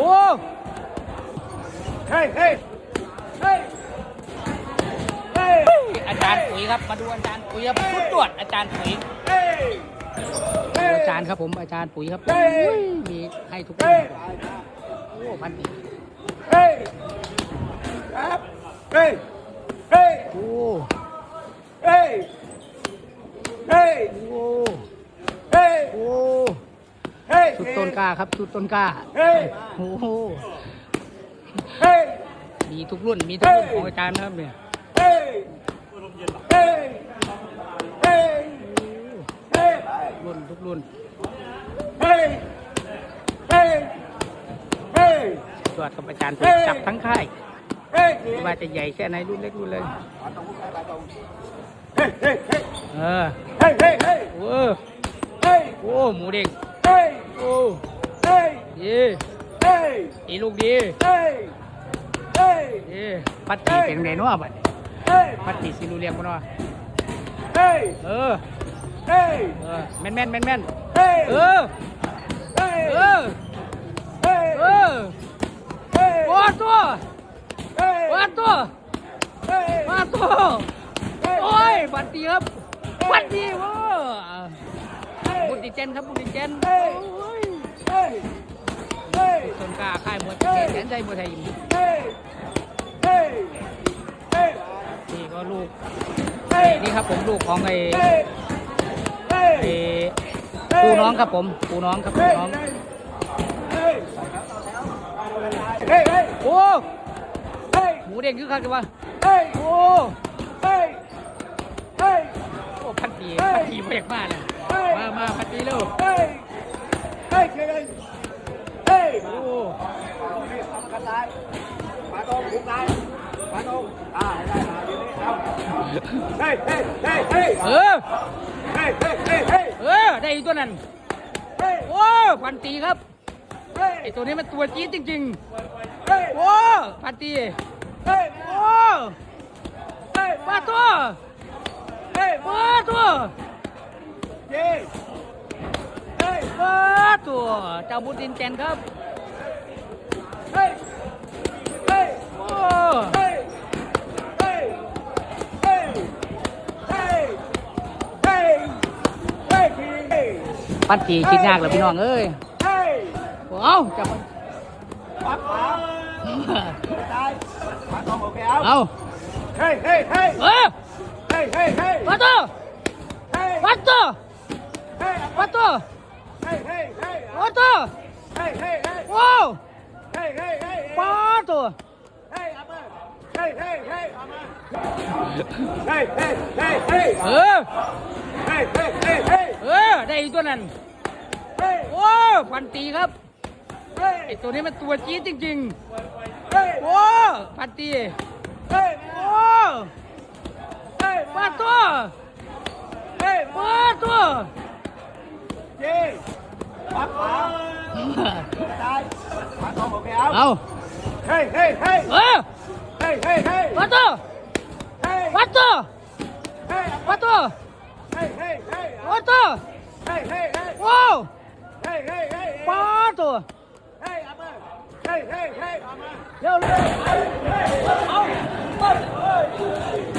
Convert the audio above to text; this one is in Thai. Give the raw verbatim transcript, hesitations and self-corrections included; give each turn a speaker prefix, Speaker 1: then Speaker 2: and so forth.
Speaker 1: อ้เฮ้ยเฮ้ยเฮ้ยเฮ้ยอาจารย์ปุ๋ยครับมาดูอาจารย์ปุ๋ยครับสุดตรวจอาจารย์ปุ๋ยอาจารย์ครับผมอาจารย์ปุ๋ยครับมีให้ทุกคนโอ้พันปีเฮ้ยครับเฮ้ยเฮ้ยโอ้เฮ้ยเฮ้ยโอ้เฮ้ยโอ้เฮ้ยชุดต้นกล้าครับชุดต้นกล้าเฮ้ยโอ้เฮ้ยมีทุกรุ่นมีทุกรุ่นของอาจารย์นะครับเนี่ยเฮ้ยเฮ้ยเฮ้ยเฮ้ยรุ่นทุกรุ่นเฮ้ยเฮ้ยเฮ้ยตรวจกับอาจารย์จับทั้งค่ายไม่ว่าจะใหญ่แค่ไหนรุ่นเล็กรุ่นเลยเออเฮ้ยเฮ้ยเฮ้ยโอ้เฮ้ยโอ้หมูเด้งเฮ้ยโอ้เฮ้ยดีเฮ้ยอีลูกดีเฮ้ยเฮ้ยดีปัตติเป็นไงเนาะบัดเฮ้ยปัตติสิรู้เรียกบ่เนาะเฮ้ยเออเฮ้ยเออแม่นแม่นแม่นแม่นเฮ้ยเออเฮ้ยเออเฮ้ยเออเฮ้ยวัดตัวเฮ้ยวัดตัวเฮ้ยวัดตัวโอ้ยบัตรดีครับบัตรดีว้าบุตรดิเจนครับบุตรดิเจนโอ้ยต้นกล้าค่ายมวยเจนแสนใจมวยไทยยิมนี่ก็ลูกนี่ครับผมลูกของไอ้ไอ้ปูน้องครับผมปูน้องครับปูน้องโอ้หมูเด้งคือคักจังวะโอ้โอ้พันปีพันปีเรียกมาเลยมามาพันปีเร็วเฮ้ยเฮ้ยเฮ้ยเฮ้ยโอ้กระต่ายปลาตงหุบตายปลาตงอ่าได้มาเดี๋ยวนี้เอาเฮ้ยเฮ้ยเฮ้ยเฮ้ยเออเฮ้ยเฮ้ยเฮ้ยเฮ้ยเออได้อีกตัวนั้นเฮ้ยโอ้พันตีครับเฮ้ยไอตัวนี้มันตัวจี๊ดจริงๆเฮ้ยโอ้พันตีเฮ้ยโอ้เฮ้ยปลาตัวเฮ้ยปลาตัวเย้เฮ้ยปลาตัวเจ้าบุตรดินแจนครับเฮ้ยเฮ้ยโอ้เฮ้ยเฮ้ยเฮ้ยเฮ้ยเฮ้ยเฮ้ยปันตีคิดยากเลยพี่น้องเอ้ยเฮ้ยเอาจับมันปัดขาได้ปัดตรงโอเคเอาเอาเฮ้ยเฮ้ยเฮ้ยเออเฮ้ยเฮ้ยเฮ้ยปัดตัวปัดตัวปัดตัวปัดตัวว้าวปัดตัวเออเออได้อีกตัวนั้นโอ้พันตีครับไอตัวนี้มันตัวจี๊ดจริงๆโอ้พันตีโอ้ปัดตัวปัดตัวเย้ปัดขาได้ปัดตรงโอเคเอาเอาเฮ้ยเฮ้ยเฮ้ยเออเฮ้ยเฮ้ยเฮ้ยปัดตัวปัดตัวปัดตัวเฮ้ยเฮ้ยเฮ้ยปัดตัวเฮ้ยเฮ้ยเฮ้ยว้าวเฮ้ยเฮ้ยเฮ้ยปัดตัวเฮ้ยเอามาเฮ้ยเฮ้ยเฮ้ยเอามาเร็วเร็วเอาเอา